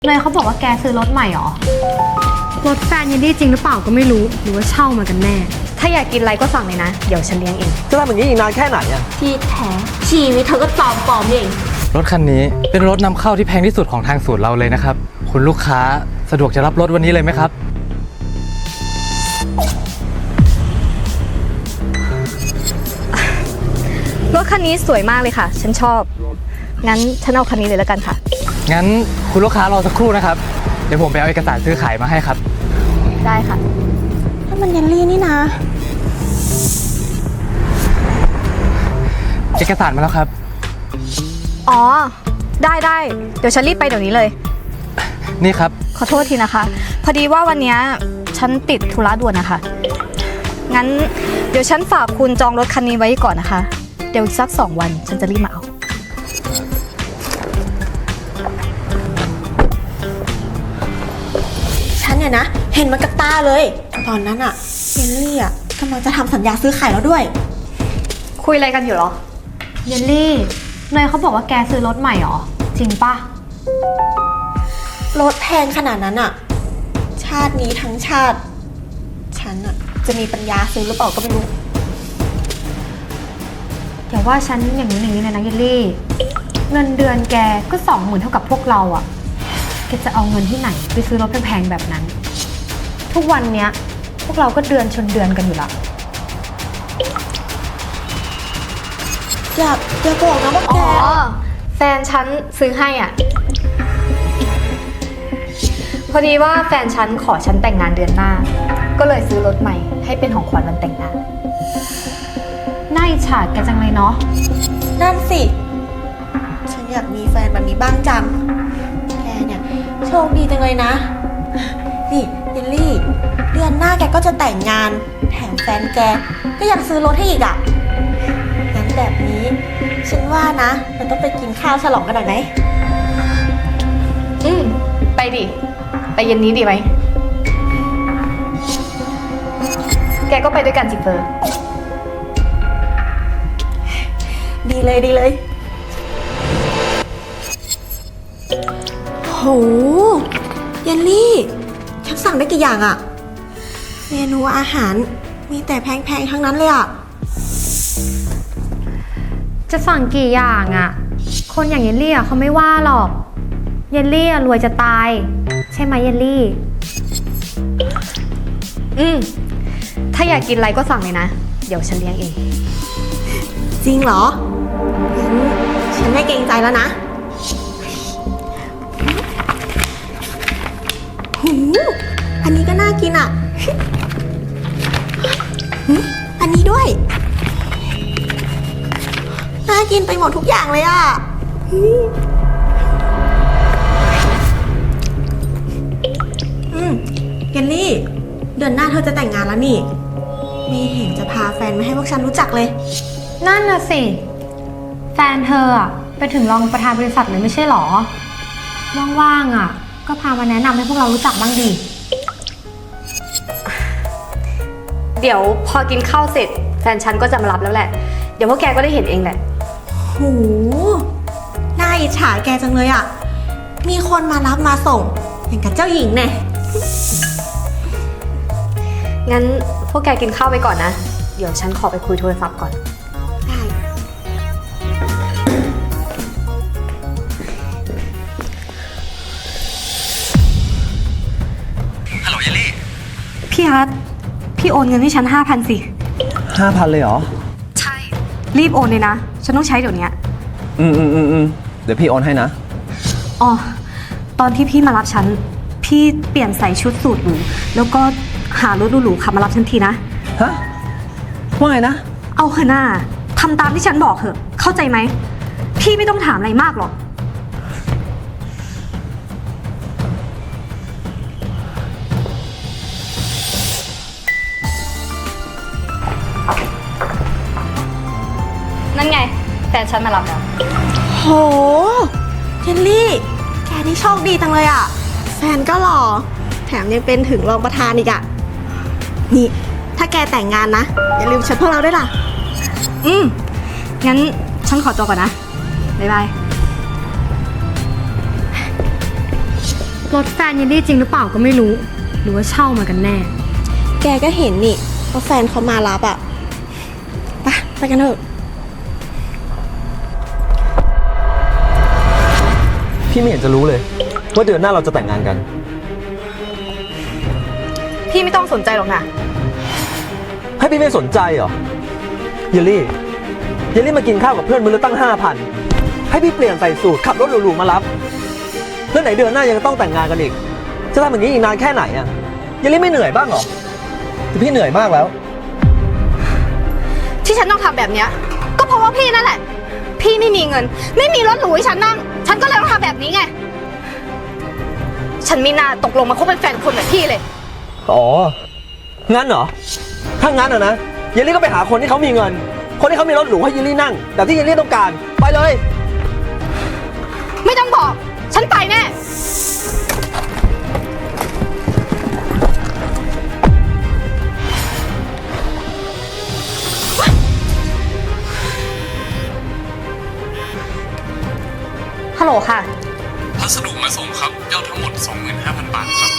เนยเขาบอกว่าแกซื้อรถใหม่หรอรถแฟนยันดี้จริงหรือเปล่าก็ไม่รู้หรือว่าเช่ามากันแน่ถ้าอยากกินอะไรก็สั่งเลยนะเดี๋ยวฉันเลี้ยงเองจะทำอย่างนี้อีกนานแค่ไหนอะที่แท้ชีวิตเธอก็ปลอมเองรถคันนี้เป็นรถนำเข้าที่แพงที่สุดของทางศูนย์เราเลยนะครับคุณลูกค้าสะดวกจะรับรถวันนี้เลยไหมครับรถคันนี้สวยมากเลยค่ะฉันชอบงั้นฉันเอาคันนี้เลยแล้วกันค่ะงั้นคุณลูกค้ารอสักครู่นะครับเดี๋ยวผมไปเอาเอกสารซื้อขายมาให้ครับได้ค่ะถ้ามันยันลี่นี่นะเอกสารมาแล้วครับอ๋อได้เดี๋ยวฉันรีบไปเดี๋ยวนี้เลยนี่ครับขอโทษทีนะคะพอดีว่าวันนี้ฉันติดธุระด่วนนะคะงั้นเดี๋ยวฉันฝากคุณจองรถคันนี้ไว้ก่อนนะคะเดี๋ยวสัก2 วันฉันจะรีบมาเอาฉันเนี่ยนะเห็นมากับตาเลยตอนนั้นอะเยลลี่อะกำลังจะทำสัญญาซื้อขายแล้วด้วยคุยอะไรกันอยู่หรอเยลลี่เนยเขาบอกว่าแกซื้อรถใหม่หรอจริงปะรถแพงขนาดนั้นอะชาตินี้ทั้งชาติฉันอะจะมีปัญญาซื้อหรือเปล่าก็ไม่รู้อย่าว่าฉันอย่างนี้เลยนะเยลลี่เงินเดือนแกก็20,000เท่ากับพวกเราอะแกจะเอาเงินที่ไหนไปซื้อรถแพงๆแบบนั้นทุกวันเนี้ยพวกเราก็เดือนชนเดือนกันอยู่ละอย่าบอกนะว่าแกแฟนฉันซื้อให้อ่ะพอดีว่าแฟนฉันขอฉันแต่งงานเดือนหน้าก็เลยซื้อรถใหม่ให้เป็นของขวัญวันแต่งงานน่าอิจฉาแกจังเลยเนาะนั่นสิฉันอยากมีแฟนแบบนี้บ้างจังแกเนี่ยโชคดีจังเลยนะนี่เยลลี่เดือนหน้าแกก็จะแต่งงานแถมแฟนแกก็ยังซื้อรถให้อีกอ่ะงั้นแบบนี้ฉันว่านะเราต้องไปกินข้าวฉลองกันหน่อยไหมไปดิไปเย็นนี้ดีไหมแกก็ไปด้วยกันจิเฟอร์ดีเลยโหเยลลี่ฉันสั่งได้กี่อย่างอะเมนูอาหารมีแต่แพงๆทั้งนั้นเลยอะจะสั่งกี่อย่างอะคนอย่างเยลลี่อะเขาไม่ว่าหรอกเยลลี่อะรวยจะตายใช่ไหมเยลลี่ถ้าอยากกินอะไรก็สั่งเลยนะเดี๋ยวฉันเลี้ยงเองจริงเหรองั้นฉันไม่เกรงใจแล้วนะหูอันนี้ก็น่ากินอ่ะอันนี้ด้วยน่ากินไปหมดทุกอย่างเลยอ่ะเกลลี่เดือนหน้าเธอจะแต่งงานแล้วนี่ไม่เห็นจะพาแฟนมาให้พวกฉันรู้จักเลยนั่นน่ะสิแฟนเธออะไปถึงรองประธานบริษัทเลยไม่ใช่หรอว่างๆอะก็พามาแนะนำให้พวกเรารู้จักบ้างดิเดี๋ยวพอกินข้าวเสร็จแฟนฉันก็จะมารับแล้วแหละเดี๋ยวพวกแกก็ได้เห็นเองแหละหูน่าอิจฉาแกจังเลยอะมีคนมารับมาส่งอย่างกับเจ้าหญิงแน่งั้นพวกแกกินข้าวไปก่อนนะเดี๋ยวฉันขอไปคุยโทรศัพท์ก่อนได้ฮัลโหลเยลลี่พี่ฮัทพี่โอนเงินให้ฉัน 5,000 สิ 5,000เลยเหรอใช่รีบโอนเลยนะฉันต้องใช้เดี๋ยวนี้เดี๋ยวพี่โอนให้นะอ๋อตอนที่พี่มารับฉันพี่เปลี่ยนใส่ชุดสูทหรูแล้วก็หารถหรูๆขับมารับฉันทีนะฮะว่าไงนะเอาเถอะหน้าทำตามที่ฉันบอกเถอะเข้าใจไหมพี่ไม่ต้องถามอะไรมากหรอกนั่นไงแฟนฉันมารับแล้วโหเจนลี่แกนี่โชคดีจังเลยอ่ะแฟนก็หล่อแถมยังเป็นถึงรองประธานอีกอ่ะนี่ถ้าแกแต่งงานนะอย่าลืมชวนพวกเราด้วยล่ะงั้นฉันขอตัวก่อนนะบ๊ายบายรถแฟนเยลลี่จริงหรือเปล่าก็ไม่รู้ หรือว่าเช่ามากันแน่แกก็เห็นนี่ว่าแฟนเขามารับอะไปกันเถอะพี่ไม่เห็นจะรู้เลย ว่าเดือนหน้าเราจะแต่งงานกันพี่ไม่ต้องสนใจหรอกนะให้พี่ไม่สนใจเหรอ เยลลี่มากินข้าวกับเพื่อนมื้อละตั้ง 5,000 ให้พี่เปลี่ยนใส่สูทขับรถหรูๆมารับแล้วไหนเดือนหน้ายังต้องแต่งงานกันอีก จะทำอย่างนี้อีกนานแค่ไหนอะเยลลี่ไม่เหนื่อยบ้างเหรอแต่พี่เหนื่อยมากแล้วที่ฉันต้องทำแบบเนี้ยก็เพราะว่าพี่นั่นแหละ พี่ไม่มีเงิน ไม่มีรถหรูให้ฉันนั่ง ฉันก็เลยต้องทำแบบนี้ไง ฉันไม่น่าตกลงมาคบเป็นแฟนคนแบบพี่เลยอ๋อ งั้นเหรอ ถ้างั้นอะนะเยลลี่ก็ไปหาคนที่เขามีเงิน คนที่เขามีรถหรูให้เยลลี่นั่งแบบที่เยลลี่ต้องการ ไปเลยไม่ต้องบอก ฉันไปแน่ ฮัลโหลค่ะพัสดุมาส่งครับยอดทั้งหมด 25,000 บาทครับ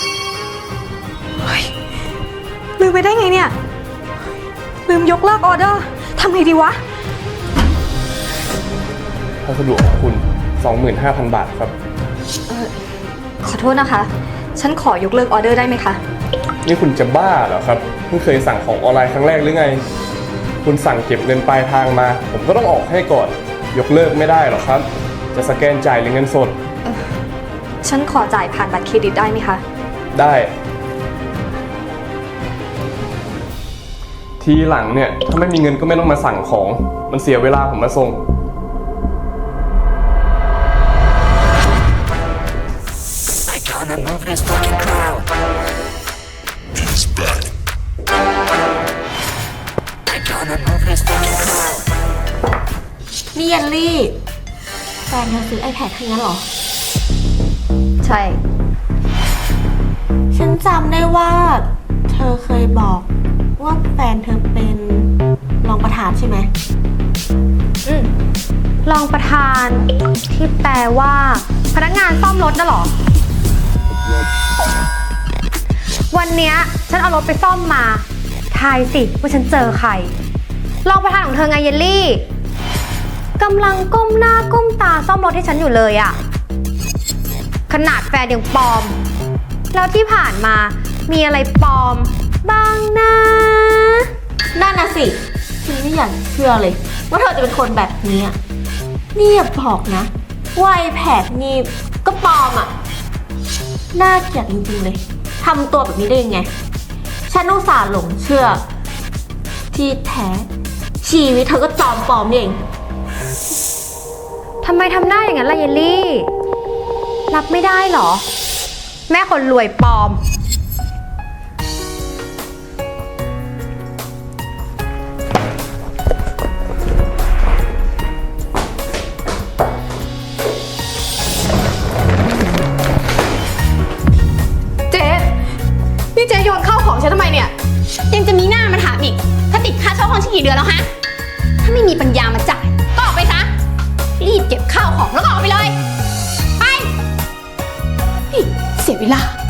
ลืมไปได้ไงเนี่ย ลืมยกเลิกออเดอร์ ทำไงดีวะพัสดุของคุณ 25,000 บาทครับขอโทษนะคะ ฉันขอยกเลิกออเดอร์ได้ไหมคะนี่คุณจะบ้าเหรอครับ เพิ่งเคยสั่งของออนไลน์ครั้งแรกหรือไง คุณสั่งเก็บเงินปลายทางมา ผมก็ต้องออกให้ก่อน ยกเลิกไม่ได้หรอกครับ จะสแกนจ่ายหรือเงินสดฉันขอจ่ายผ่านบัตรเครดิตได้ไหมคะได้ ทีหลังเนี่ย ถ้าไม่มีเงินก็ไม่ต้องมาสั่งของ มันเสียเวลาผมมาส่ง Gonna move this fucking crowd. He's back. I gonna move this fucking crowd. นี่เยลลี่แฟนเธอซื้อ iPad ให้งั้นเหรอใช่ฉันจำได้ว่า เธอเคยบอกว่าแฟนเธอเป็นรองประธานใช่ไหมรองประธานที่แปลว่าพนักงานซ่อมรถน่ะเหรอ วันเนี้ยฉันเอารถไปซ่อมมาทายสิว่าฉันเจอใครรองประธานของเธอไงเยลลี่กำลังก้มหน้าก้มตาซ่อมรถให้ฉันอยู่เลยอะขนาดแฟนยังปลอม แล้วที่ผ่านมามีอะไรปลอมบ้างนะนั่นน่ะสิฉันไม่อยากเชื่อเลย ว่าเธอจะเป็นคนแบบนี้อะนี่อย่าบอกนะว่า iPad นี่ก็ปลอมอ่ะ น่าเกลียดจริงๆเลยทำตัวแบบนี้ได้ยังไง ฉันอุตส่าห์หลงเชื่อ ที่แท้ชีวิตเธอก็จอมปลอมนี่เองทำไมทำหน้าอย่างนั้นล่ะเยลลี่ รับไม่ได้เหรอ แม่คนรวยปลอมเจ๊นี่เจ๊โยนข้าวของฉันทำไมเนี่ย ยังจะมีหน้ามาถามอีก ถ้าติดค่าเช่าห้องฉันกี่เดือนแล้วฮะ ถ้าไม่มีปัญญามาจ่าย ก็ออกไปซะ รีบเก็บข้าวของแล้วก็ออกไปเลย ไปนี่เสียเวลา